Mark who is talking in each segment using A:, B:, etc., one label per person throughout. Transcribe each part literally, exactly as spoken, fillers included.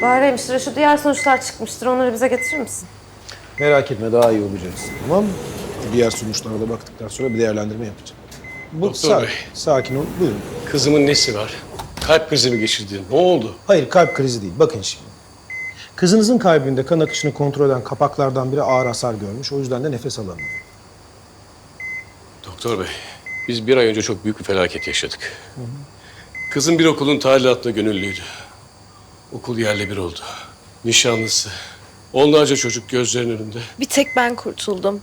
A: Bahar hemşire, şu diğer sonuçlar çıkmıştır. Onları bize getirir misin?
B: Merak etme, daha iyi olacaksın. Tamam mı? Diğer sonuçlara da baktıktan sonra bir değerlendirme yapacağım. Bu,
C: Doktor
B: sa-
C: Bey.
B: Sakin ol, buyurun.
C: Kızımın nesi var? Kalp krizi mi geçirdi? Ne oldu?
B: Hayır, kalp krizi değil. Bakın şimdi. Kızınızın kalbinde kan akışını kontrol eden kapaklardan biri ağır hasar görmüş. O yüzden de nefes alamıyor.
C: Doktor Bey, biz bir ay önce çok büyük bir felaket yaşadık. Kızım bir okulun talimatına gönüllüydü. Okul yerle bir oldu. Nişanlısı. Onlarca çocuk gözlerinin önünde.
D: Bir tek ben kurtuldum.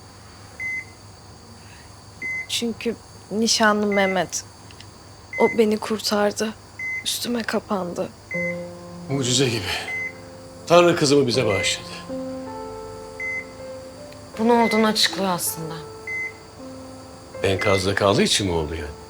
D: Çünkü nişanlım Mehmet. O beni kurtardı. Üstüme kapandı.
C: Mucize gibi. Tanrı kızımı bize bağışladı.
A: Bu ne olduğunu açıklıyor aslında.
C: Enkazda kaldığı için mi oldu yani?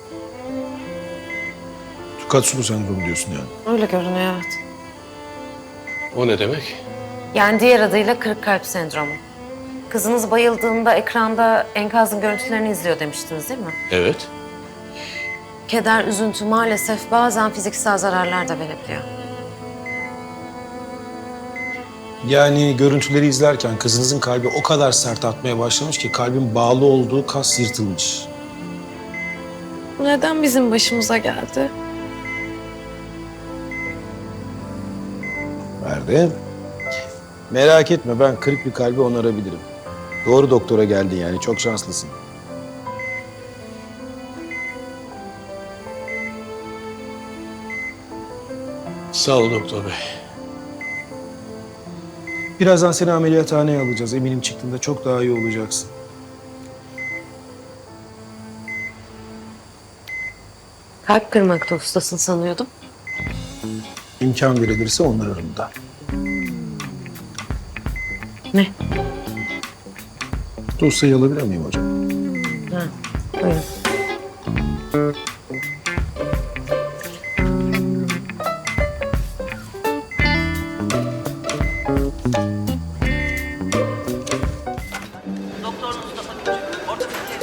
B: Tsukatsu sendromu diyorsun yani.
A: Öyle görünüyor, evet.
C: O ne demek?
A: Yani diğer adıyla kırık kalp sendromu. Kızınız bayıldığında ekranda enkazın görüntülerini izliyor demiştiniz değil mi?
C: Evet.
A: Keder, üzüntü maalesef bazen fiziksel zararlar da verebiliyor.
B: Yani görüntüleri izlerken kızınızın kalbi o kadar sert atmaya başlamış ki kalbin bağlı olduğu kas yırtılmış.
D: Bu neden bizim başımıza geldi?
B: Verdi. Merak etme, ben kırık bir kalbi onarabilirim. Doğru doktora geldin yani, çok şanslısın.
C: Sağ ol doktor bey.
B: Birazdan seni ameliyathaneye alacağız. Eminim çıktığında çok daha iyi olacaksın.
A: Kalp kırmakta ustasın sanıyordum.
B: İmkan verilirse onarırım da.
A: Ne?
B: Dosyayı alabilir miyim hocam?
A: Ha, buyurun.
E: Doktor Mustafa Küçük, ortopedi.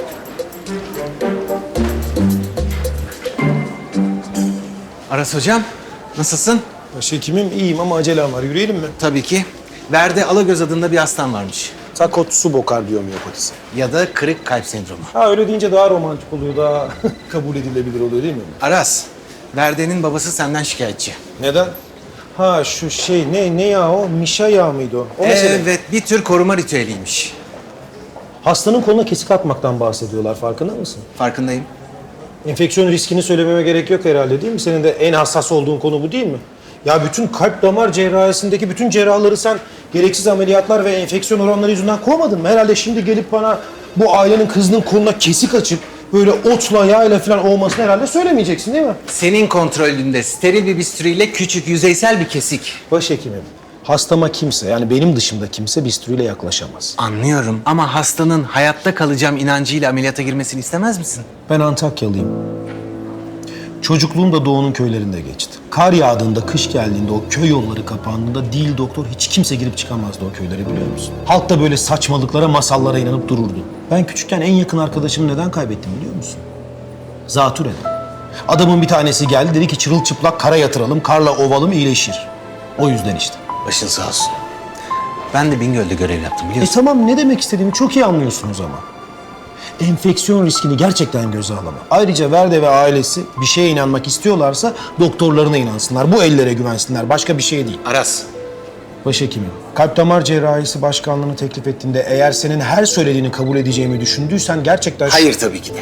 F: Aras hocam, nasılsın?
B: Başhekimim iyiyim ama acelem var. Yürüyelim mi?
F: Tabii ki. Verde Alagöz adında bir hastan varmış.
B: Takotsubo kardiyomiyopatisi.
F: Ya da kırık kalp sendromu.
B: Ha öyle deyince daha romantik oluyor, daha kabul edilebilir oluyor değil mi?
F: Aras, Verde'nin babası senden şikayetçi.
B: Neden? Ha şu şey ne ne ya o? Mişa yağı mıydı o? O mesele.
F: Evet, bir tür koruma ritüeliymiş.
B: Hastanın koluna kesik atmaktan bahsediyorlar, farkında mısın?
F: Farkındayım.
B: Enfeksiyon riskini söylememe gerek yok herhalde değil mi? Senin de en hassas olduğun konu bu değil mi? Ya bütün kalp damar cerrahisindeki bütün cerrahları sen gereksiz ameliyatlar ve enfeksiyon oranları yüzünden kovmadın mı? Herhalde şimdi gelip bana bu ailenin kızının koluna kesik açıp böyle otla yağla falan olmasını herhalde söylemeyeceksin değil mi?
F: Senin kontrolünde steril bir bistüriyle küçük, yüzeysel bir kesik.
B: Başhekimim, hastama kimse yani benim dışımda kimse bistüriyle yaklaşamaz.
F: Anlıyorum ama hastanın hayatta kalacağım inancıyla ameliyata girmesini istemez misin?
B: Ben Antakyalıyım. Çocukluğum da Doğu'nun köylerinde geçti. Kar yağdığında, kış geldiğinde, o köy yolları kapandığında değil doktor hiç kimse girip çıkamazdı o köylere biliyor musun? Halk da böyle saçmalıklara, masallara inanıp dururdu. Ben küçükken en yakın arkadaşımı neden kaybettim biliyor musun? Zatürreden. Adamın bir tanesi geldi dedi ki çırılçıplak kara yatıralım, karla ovalım iyileşir. O yüzden işte.
F: Başın sağ olsun. Ben de Bingöl'de görev yaptım
B: E
F: biliyorsun.
B: tamam ne demek istediğimi çok iyi anlıyorsunuz ama. Enfeksiyon riskini gerçekten göze alamam. Ayrıca Verde ve ailesi bir şeye inanmak istiyorlarsa doktorlarına inansınlar. Bu ellere güvensinler. Başka bir şey değil.
F: Aras,
B: Başhekimim, kalp damar cerrahisi başkanlığını teklif ettiğinde eğer senin her söylediğini kabul edeceğimi düşündüysen gerçekten...
F: hayır tabii ki de.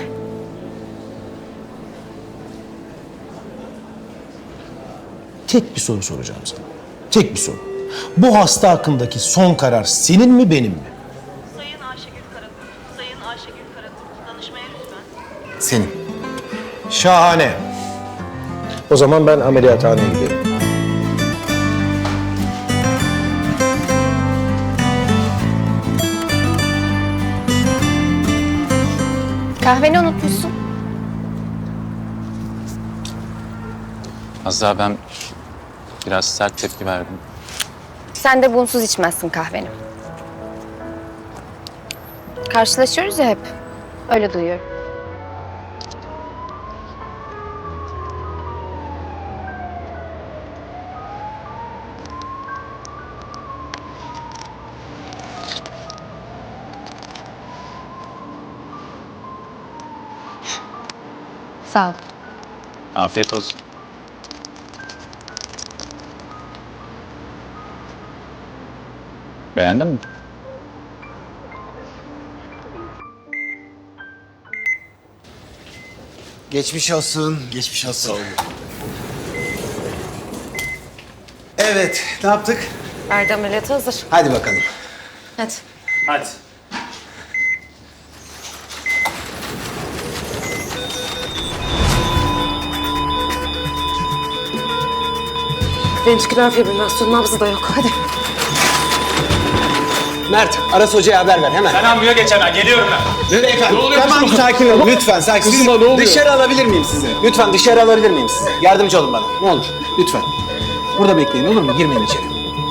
B: Tek bir soru soracağım sana. Tek bir soru. Bu hasta hakkındaki son karar senin mi benim mi?
E: Sayın Ayşegül Karakurt, Sayın Ayşegül Karakurt, danışmaya lütfen.
F: Senin.
B: Şahane. O zaman ben ameliyathaneye giderim.
G: Kahveni unutmuşsun.
H: Az daha ben biraz sert tepki verdim.
G: Sen de bunsuz içmezsin kahveni. Karşılaşıyoruz ya hep. Öyle duyuyorum. Sağ ol.
H: Afiyet olsun. Beğendin mi?
I: Geçmiş olsun, geçmiş olsun. Evet, ne yaptık?
A: Erdi ameliyatı hazır.
I: Hadi bakalım.
A: Hadi.
H: Hadi.
A: Ventriküler fibrilasyon, nabzı da yok. Hadi.
I: Mert, Aras Hoca'ya haber ver hemen.
H: Ben ambuya geç hemen. Geliyorum ben.
I: Ne efendim?
C: Ne oluyor
I: Tamam,
C: kızıma?
I: sakin olun. Lütfen, sakin.
C: Kızıma
I: Siz
C: ne oluyor?
I: Dışarı alabilir miyim sizi? Lütfen dışarı alabilir miyim sizi? Yardımcı olun bana. Ne olur, lütfen. Burada bekleyin, olur mu? Girmeyin içeri.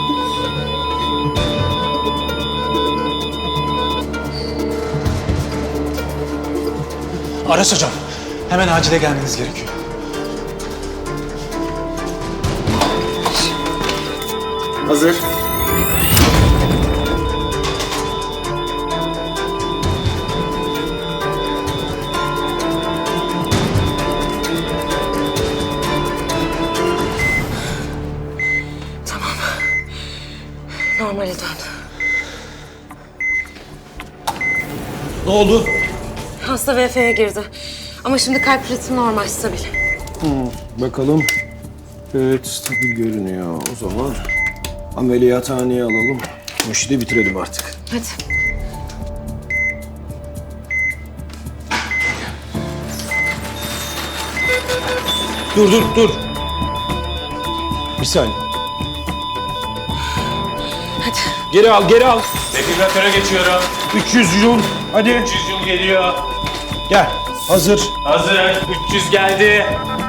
F: Aras hocam, hemen acile gelmeniz gerekiyor.
I: Hazır.
A: Normale dön.
B: Ne oldu?
A: Hasta V F'ye girdi. Ama şimdi kalp ritmi normal, stabil.
B: Bakalım. Evet, stabil görünüyor. O zaman ameliyathaneye alalım. Bu işi de bitirelim artık.
A: Hadi.
B: Dur, dur, dur. Bir saniye.
A: Hadi.
B: Geri al, geri al.
H: Defibrilatöre geçiyorum.
B: üç yüz yıl. Hadi.
H: üç yüz yıl geliyor.
B: Gel. Hazır.
H: Hazır. üç yüz geldi.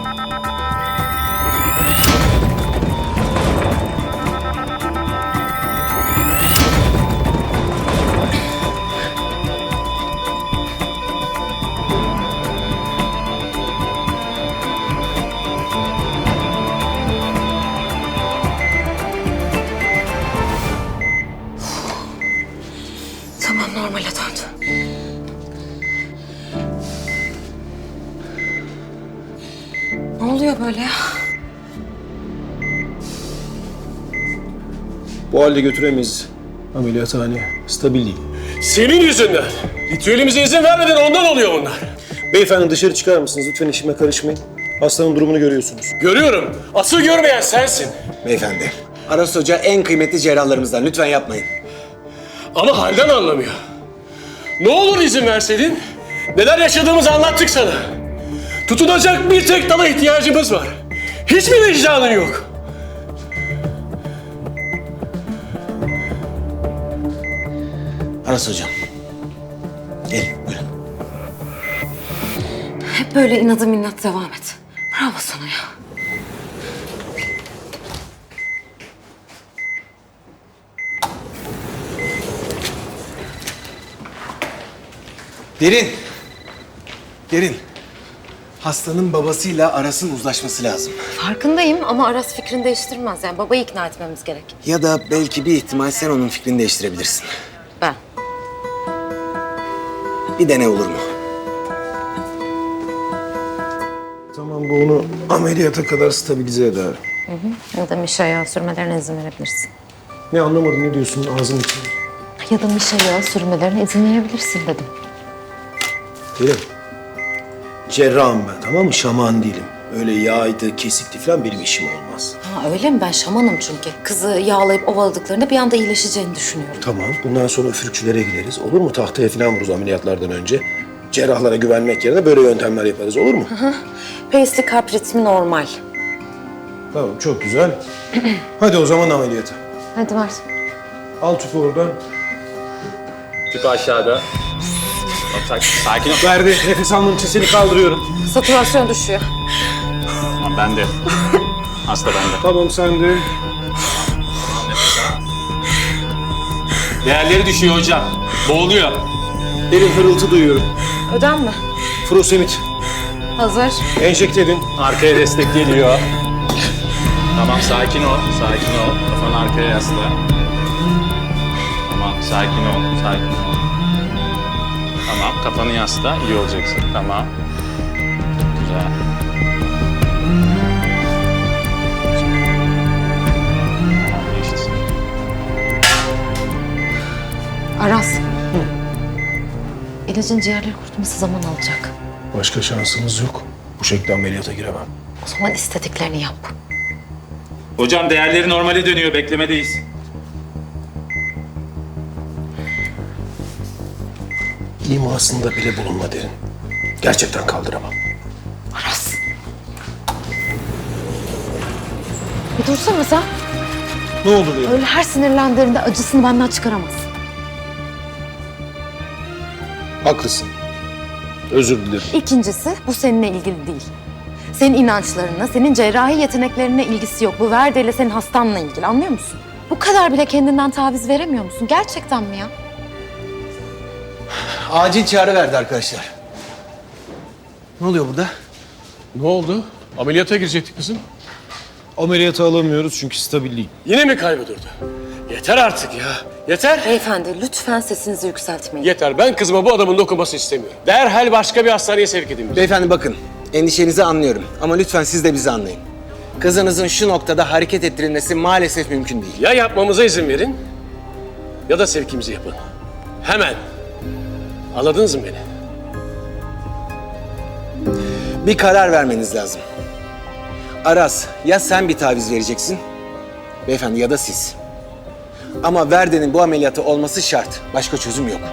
A: Tamam, normale döndü. Ne oluyor böyle ya?
B: Bu halde götüremeyiz ameliyathaneye. Stabil değil.
C: Senin yüzünden. Ritüelimize izin vermeden ondan oluyor bunlar.
B: Beyefendi dışarı çıkar mısınız? Lütfen işime karışmayın. Hastanın durumunu görüyorsunuz.
C: Görüyorum. Asıl görmeyen sensin.
I: Beyefendi, Aras Hoca en kıymetli cerrahlarımızdan. Lütfen yapmayın.
C: Ama halden anlamıyor. Ne olur izin verseydin. Neler yaşadığımızı anlattık sana. Tutunacak bir tek dala ihtiyacımız var. Hiçbir vicdanın yok.
I: Aras Hocam. Gelin, buyurun.
A: Hep böyle inadı minnat devam et. Bravo sana ya.
I: Derin. Derin. Hastanın babasıyla Aras'ın uzlaşması lazım.
A: Farkındayım ama Aras fikrini değiştirmez. Yani babayı ikna etmemiz gerek.
I: Ya da belki bir ihtimal sen onun fikrini değiştirebilirsin.
A: Ben.
I: Bir dene olur mu?
B: Tamam, bu onu ameliyata kadar stabilize eder.
A: Ya da mişa yağı sürmelerine izin verebilirsin.
B: Ne anlamadım, ne diyorsun ağzın içinde?
A: Ya da mişa yağı sürmelerine izin verebilirsin dedim.
B: Derim. Cerrahım ben, tamam mı? Şaman değilim. Öyle yağydı, kesikti falan benim işim olmaz.
A: Ha öyle mi? Ben şamanım çünkü. Kızı yağlayıp ovaladıklarında bir anda iyileşeceğini düşünüyorum.
B: Tamam, bundan sonra üfürükçülere gideriz. Olur mu? Tahtaya falan vururuz ameliyatlardan önce. Cerrahlara güvenmek yerine böyle yöntemler yaparız. Olur mu?
A: Pace'li kalp ritmi normal.
B: Tamam, çok güzel. Hadi o zaman ameliyata.
A: Hadi ver.
B: Al tüpü oradan.
H: Tüpü aşağıda. Sakin ol.
B: Verdi. Nefes almam için seni kaldırıyorum.
A: Satürasyon düşüyor.
H: Tamam, ben de. Hasta bende.
B: Tamam, sen de.
H: Değerleri düşüyor hocam. Boğuluyor.
B: Derin hırıltı duyuyorum.
A: Ödem mi?
B: Furosemid.
A: Hazır.
B: Enjekte edin.
H: Arkaya destek geliyor. Tamam, sakin ol. Sakin ol. Kafanı arkaya yasla. Tamam, sakin ol. Sakin ol. Tamam, kafanı yasla. İyi olacaksın. Tamam. yapıyorsunuz ha. Tamam, geçti.
A: Aras. İlacın ciğerleri kurutması zaman alacak.
B: Başka şansımız yok. Bu şekilde ameliyata giremem.
A: O zaman istediklerini yap.
H: Hocam değerleri normale dönüyor. Beklemedeyiz.
B: İmasında bile bulunma derin. Gerçekten kaldıramam.
A: Aras. Bir dursana sen.
B: Ne olur ya?
A: Öyle her sinirlendiğinde acısını benden çıkaramazsın.
B: Haklısın. Özür dilerim.
A: İkincisi, bu seninle ilgili değil. Senin inançlarına, senin cerrahi yeteneklerine ilgisi yok. Bu Verde'yle senin hastanla ilgili, anlıyor musun? Bu kadar bile kendinden taviz veremiyor musun? Gerçekten mi ya?
I: Acil çağrı verdi arkadaşlar. Ne oluyor burada?
C: Ne oldu? Ameliyata girecekti kızım.
B: Ameliyata alamıyoruz çünkü stabil değil.
C: Yine mi kaybı durdu? Yeter artık ya. Yeter.
A: Beyefendi, lütfen sesinizi yükseltmeyin.
C: Yeter. Ben kızıma bu adamın dokunmasını istemiyorum. Derhal başka bir hastaneye sevk edin bizi.
I: Beyefendi bakın, endişenizi anlıyorum ama lütfen siz de bizi anlayın. Kızınızın şu noktada hareket ettirilmesi maalesef mümkün değil.
C: Ya yapmamıza izin verin ya da sevkimizi yapın. Hemen. Anladınız mı beni?
I: Bir karar vermeniz lazım. Aras, ya sen bir taviz vereceksin, beyefendi ya da siz. Ama Verde'nin bu ameliyatı olması şart. Başka çözüm yok.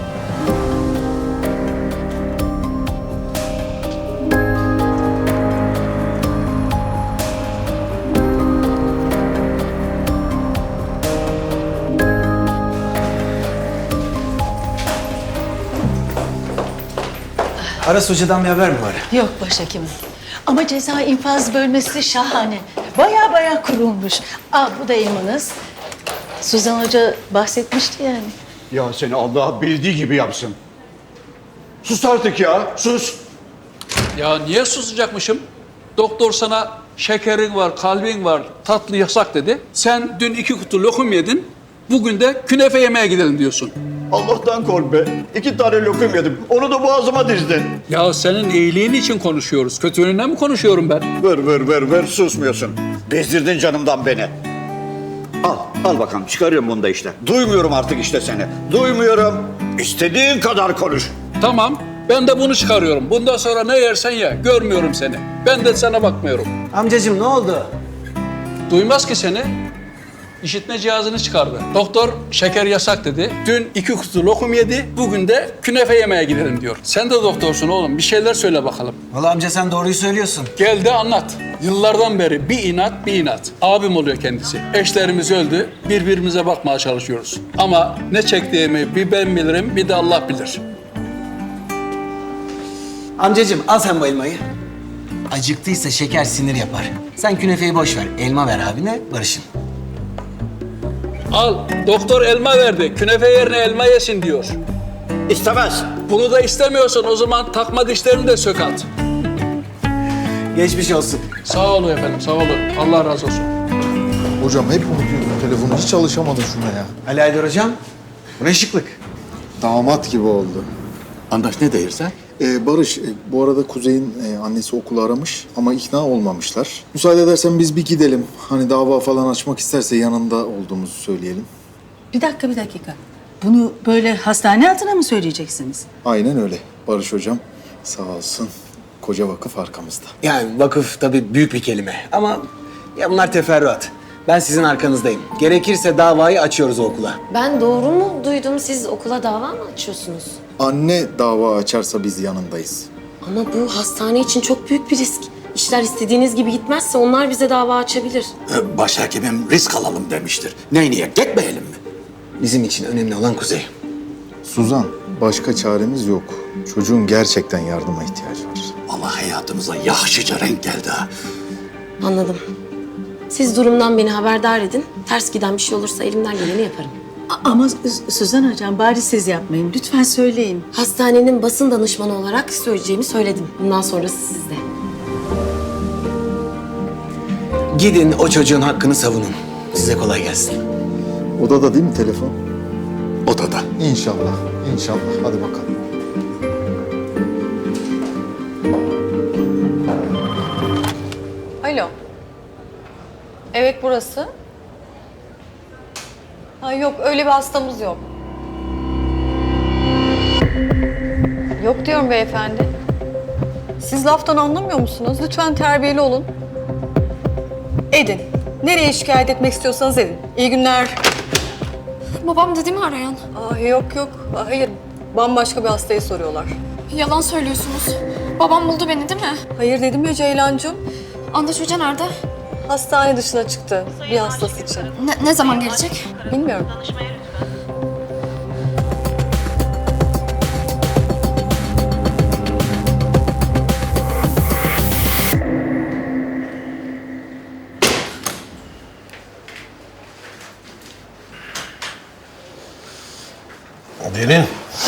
I: Aras Hoca'dan bir haber mi var?
J: Yok başhekimim. Ama ceza infaz bölmesi şahane. Baya baya kurulmuş. Aa, bu da elmanız. Suzan Hoca bahsetmişti yani.
K: Ya seni Allah bildiği gibi yapsın. Sus artık ya, sus.
L: Ya niye susacakmışım? Doktor sana şekerin var, kalbin var, tatlı yasak dedi. Sen dün iki kutu lokum yedin, bugün de künefe yemeye gidelim diyorsun.
K: Allah'tan kork be. İki tane lokum yedim. Onu da boğazıma dizdin.
L: Ya senin iyiliğin için konuşuyoruz. Kötülüğünden mi konuşuyorum ben?
K: Ver, ver, ver, ver. Susmuyorsun. Bezdirdin canımdan beni. Al, al bakalım. Çıkarıyorum bunu da işte. Duymuyorum artık işte seni. Duymuyorum. İstediğin kadar konuş.
L: Tamam, ben de bunu çıkarıyorum. Bundan sonra ne yersen ye, görmüyorum seni. Ben de sana bakmıyorum.
I: Amcacığım ne oldu?
L: Duymaz ki seni. İşitme cihazını çıkardı. Doktor şeker yasak dedi. Dün iki kutu lokum yedi, bugün de künefe yemeye gidelim diyor. Sen de doktorsun oğlum, bir şeyler söyle bakalım.
I: Vallahi amca sen doğruyu söylüyorsun.
L: Gel de anlat. Yıllardan beri bir inat bir inat. Abim oluyor kendisi. Eşlerimiz öldü, birbirimize bakmaya çalışıyoruz. Ama ne çektiğimi bir ben bilirim, bir de Allah bilir.
I: Amcacığım al sen bu elmayı. Acıktıysa şeker sinir yapar. Sen künefeyi boş ver. Elma ver abine, barışın.
L: Al, doktor elma verdi. Künefe yerine elma yesin diyor.
K: İstemez.
L: Bunu da istemiyorsan o zaman takma dişlerini de sök at.
I: Geçmiş olsun.
L: Sağ olun efendim, sağ olun. Allah razı olsun.
M: Hocam hep unutuyorum telefonu. Hiç alışamadım şuna ya.
I: Ali Aydar hocam, bu ne şıklık.
M: Damat gibi oldu.
K: Andaş ne değilse?
M: Ee, Barış, e, bu arada Kuzey'in e, annesi okulu aramış ama ikna olmamışlar. Müsaade edersen biz bir gidelim. Hani dava falan açmak isterse yanında olduğumuzu söyleyelim.
J: Bir dakika bir dakika. Bunu böyle hastane altına mı söyleyeceksiniz?
M: Aynen öyle. Barış hocam sağ olsun. Koca vakıf arkamızda.
I: Yani vakıf tabii büyük bir kelime ama ya bunlar teferruat. Ben sizin arkanızdayım. Gerekirse davayı açıyoruz o okula.
A: Ben doğru mu duydum? Siz okula dava mı açıyorsunuz?
M: Anne dava açarsa biz yanındayız.
A: Ama bu hastane için çok büyük bir risk. İşler istediğiniz gibi gitmezse onlar bize dava açabilir.
K: Başhekimim risk alalım demiştir. Ne niyet gitmeyelim mi?
I: Bizim için önemli olan Kuzey.
M: Suzan, başka çaremiz yok. Çocuğun gerçekten yardıma ihtiyacı var.
K: Ama hayatımıza yaşlıca renk geldi ha.
A: Anladım. Siz durumdan beni haberdar edin. Ters giden bir şey olursa elimden geleni yaparım.
J: A- Ama Sü- Suzan hocam bari siz yapmayın. Lütfen söyleyin.
A: Hastanenin basın danışmanı olarak söyleyeceğimi söyledim. Bundan sonrası sizde.
I: Gidin o çocuğun hakkını savunun. Size kolay gelsin.
M: Odada değil mi telefon?
K: Odada.
M: İnşallah, inşallah. Hadi bakalım.
N: Evet burası. Ha, yok öyle bir hastamız yok. Yok diyorum beyefendi. Siz laftan anlamıyor musunuz? Lütfen terbiyeli olun. Edin. Nereye şikayet etmek istiyorsanız edin. İyi günler.
D: Babam dedi mi arayan?
N: Aa, yok yok. Aa, hayır. Bambaşka bir hastayı soruyorlar.
D: Yalan söylüyorsunuz. Babam buldu beni değil mi?
N: Hayır dedim ya Ceylancığım.
D: Andaç Hoca nerede?
N: Hastane dışına çıktı. Bir hastası için.
D: Ne, ne zaman gelecek?
N: Bilmiyorum.
E: Danışmaya lütfen.
B: Derin.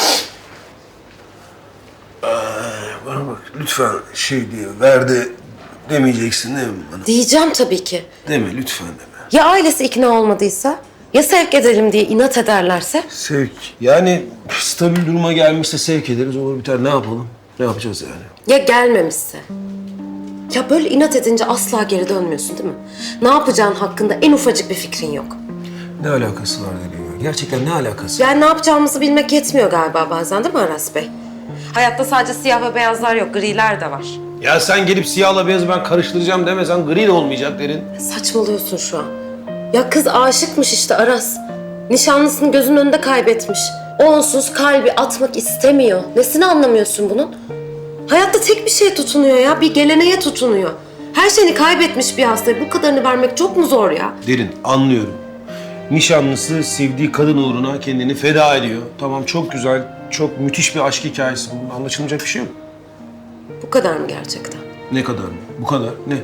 B: Ee, bana bak lütfen şey diye verdi demeyeceksin değil mi bana?
A: Diyeceğim tabii ki.
B: Deme lütfen deme.
A: Ya ailesi ikna olmadıysa? Ya sevk edelim diye inat ederlerse?
B: Sevk. Yani stabil duruma gelmişse sevk ederiz olur biter. Ne yapalım? Ne yapacağız yani?
A: Ya gelmemişse? Ya böyle inat edince asla geri dönmüyorsun değil mi? Ne yapacağın hakkında en ufacık bir fikrin yok.
B: Ne alakası var Derin ya? Gerçekten ne alakası var?
A: Yani ne yapacağımızı bilmek yetmiyor galiba bazen değil mi Aras Bey? Hayatta sadece siyah ve beyazlar yok, griler de var.
B: Ya sen gelip siyahla beyazı ben karıştıracağım demesen gri de olmayacak Derin.
A: Saçmalıyorsun şu an. Ya kız aşıkmış işte Aras. Nişanlısını gözünün önünde kaybetmiş. O onsuz kalbi atmak istemiyor. Nesini anlamıyorsun bunun? Hayatta tek bir şeye tutunuyor ya, bir geleneğe tutunuyor. Her şeyini kaybetmiş bir hastaya bu kadarını vermek çok mu zor ya?
B: Derin anlıyorum. Nişanlısı sevdiği kadın uğruna kendini feda ediyor. Tamam çok güzel, çok müthiş bir aşk hikayesi. Bunda anlaşılmayacak bir şey yok.
A: Bu kadar mı gerçekten?
B: Ne kadar mı? Bu kadar. Ne?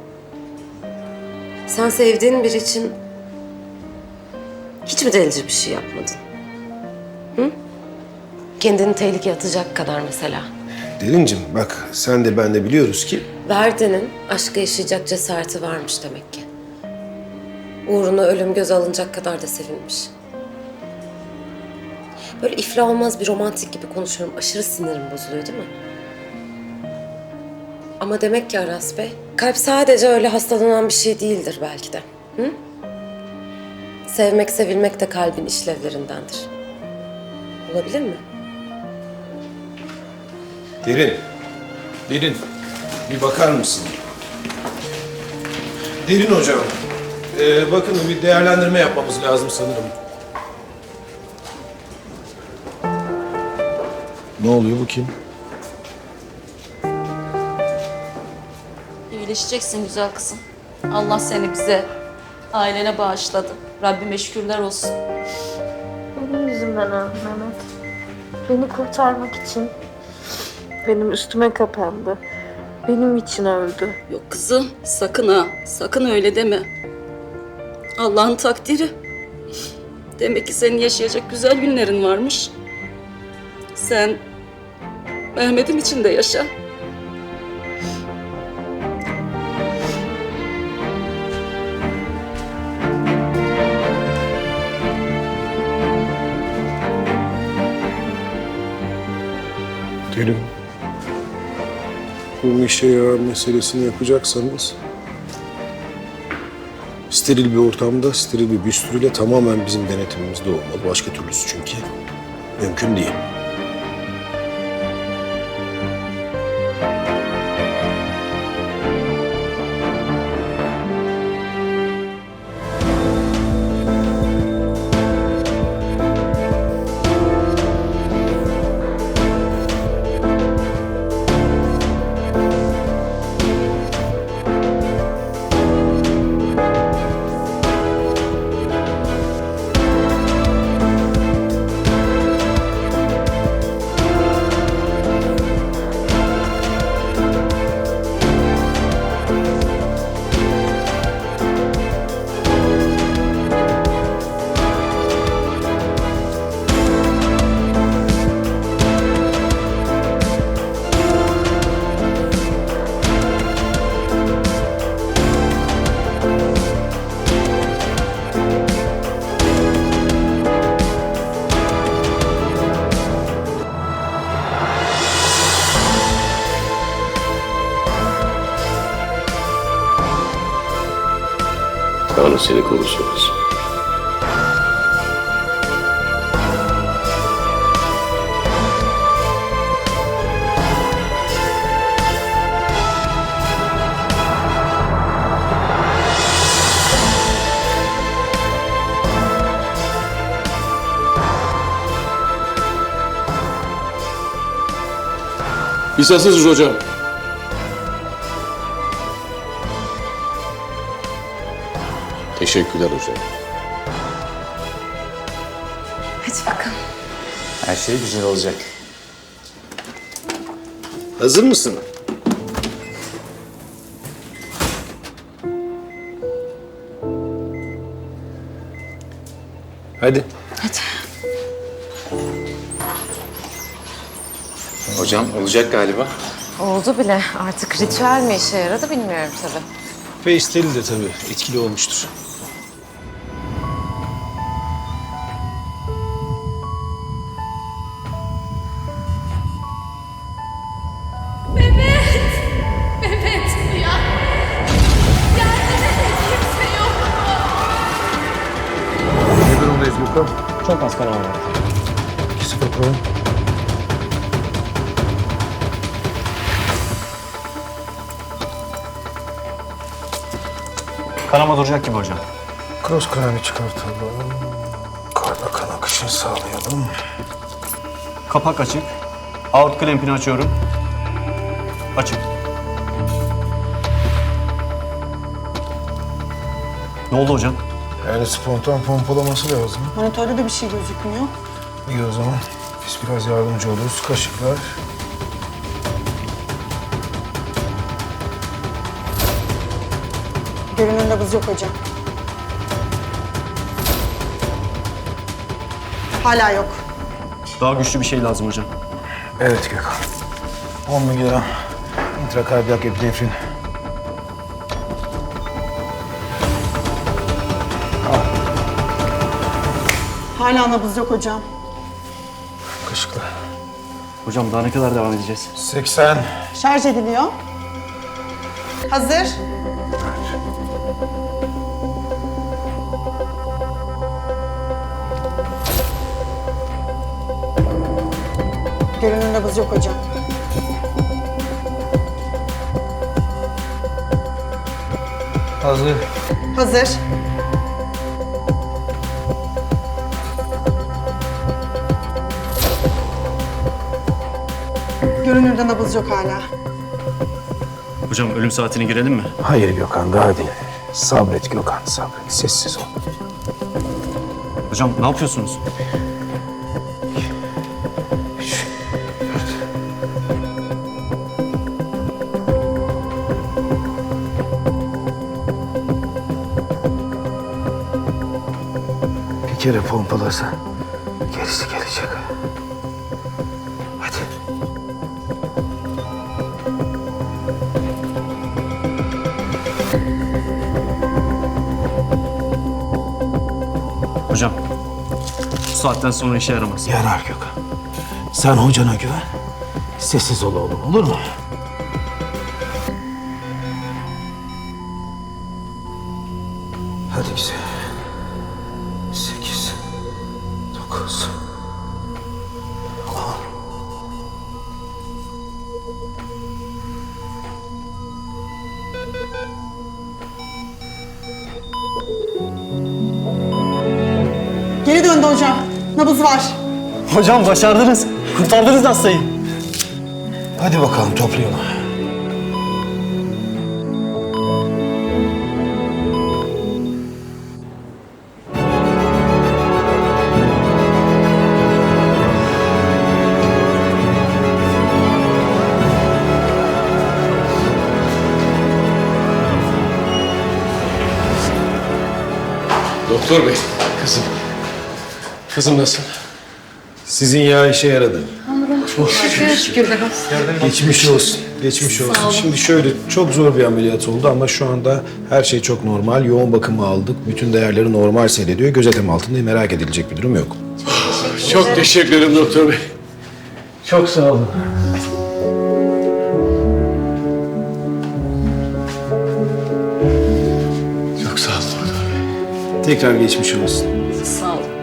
A: Sen sevdiğin biri için hiç mi delici bir şey yapmadın? Hı? Kendini tehlikeye atacak kadar mesela.
B: Derincim bak sen de ben de biliyoruz ki...
A: Verdi'nin aşkı yaşayacak cesareti varmış demek ki. Uğruna ölüm göze alınacak kadar da sevinmiş. Böyle iflah olmaz bir romantik gibi konuşuyorum. Aşırı sinirim bozuluyor değil mi? Ama demek ki Aras Bey, kalp sadece öyle hastalanan bir şey değildir belki de. Hı? Sevmek, sevilmek de kalbin işlevlerindendir. Olabilir mi?
B: Derin. Derin. Bir bakar mısın? Derin hocam. Ee, bakın bir değerlendirme yapmamız lazım sanırım. Ne oluyor bu kim?
O: İyileşeceksin güzel kızım. Allah seni bize, ailene bağışladı. Rabbime şükürler olsun.
D: Benim yüzümden öldü Mehmet. Beni kurtarmak için benim üstüme kapandı. Benim için öldü.
O: Yok kızım, sakın ha, sakın öyle deme. Allah'ın takdiri. Demek ki senin yaşayacak güzel günlerin varmış. Sen Mehmet'im için de yaşa.
B: Derin. Bu işe yarar meselesini yapacaksanız... steril bir ortamda, steril bir büstürüyle tamamen bizim denetimimizde olmalı. Başka türlüsü çünkü mümkün değil.
C: Allah seni korusun kızım. Biz hazırız hocam. Teşekkürler hocam.
A: Hadi bakalım.
H: Her şey güzel olacak.
I: Hazır mısın? Hadi.
H: Hocam olacak galiba.
A: Oldu bile. Artık ritüel mi işe yaradı bilmiyorum tabii.
B: Face'teli de tabii etkili olmuştur.
D: Mehmet ya. Geldi de kimse yok mu?
M: Ne durumdayız Gökhan?
B: Çok az kanama var.
M: İkisi bakalım.
B: Kanama duracak gibi hocam.
M: Cross kranı çıkartalım. Karda kan akışını sağlayalım.
B: Kapak açık. Aort klempini açıyorum. Açık. Ne oldu hocam?
M: Yani spontan pompalaması lazım.
N: Monitörde de bir şey gözükmüyor.
M: İyi o zaman. Biz biraz yardımcı oluruz. Kaşıklar.
N: Görünür nabız yok hocam. Hala yok.
B: Daha güçlü bir şey lazım hocam.
M: Evet Gökhan. on miligram intrakardiyak epinefrin.
N: Hala nabız yok hocam.
M: Kaşıklar.
B: Hocam daha ne kadar devam edeceğiz?
M: seksen.
N: Şarj ediliyor. Hazır. Görünür nabız yok hocam.
M: Hazır.
N: Hazır. Görünürde nabız yok hala.
B: Hocam ölüm saatine girelim mi?
M: Hayır Gökhan daha değil. Sabret Gökhan sabret. Sessiz ol.
B: Hocam ne yapıyorsunuz?
M: Bir kere pompalasa gerisi gelecek. Hadi.
B: Hocam bu saatten sonra işe yaramaz.
M: Yarar Gökhan. Sen hocana güven. Sessiz ol oğlum olur mu? Hadi güzel. Sekiz. Dokuz. On.
N: Geri döndü hocam. Nabız var.
B: Hocam başardınız. Kurtardınız hastayı.
M: Hadi bakalım toplayalım.
C: Doktor bey, kızım. Kızım nasıl?
B: Sizin yağ işe yaradı.
A: Şükür be.
B: Geçmiş olsun. Geçmiş olsun. Şimdi şöyle çok zor bir ameliyat oldu ama şu anda her şey çok normal. Yoğun bakımı aldık. Bütün değerleri normal seyrediyor. Gözetim altında merak edilecek bir durum yok.
C: Çok teşekkür ederim doktor bey.
B: Çok sağ olun.
C: Çok sağ olun doktor bey.
B: Tekrar geçmiş olsun.
O: Sağ ol.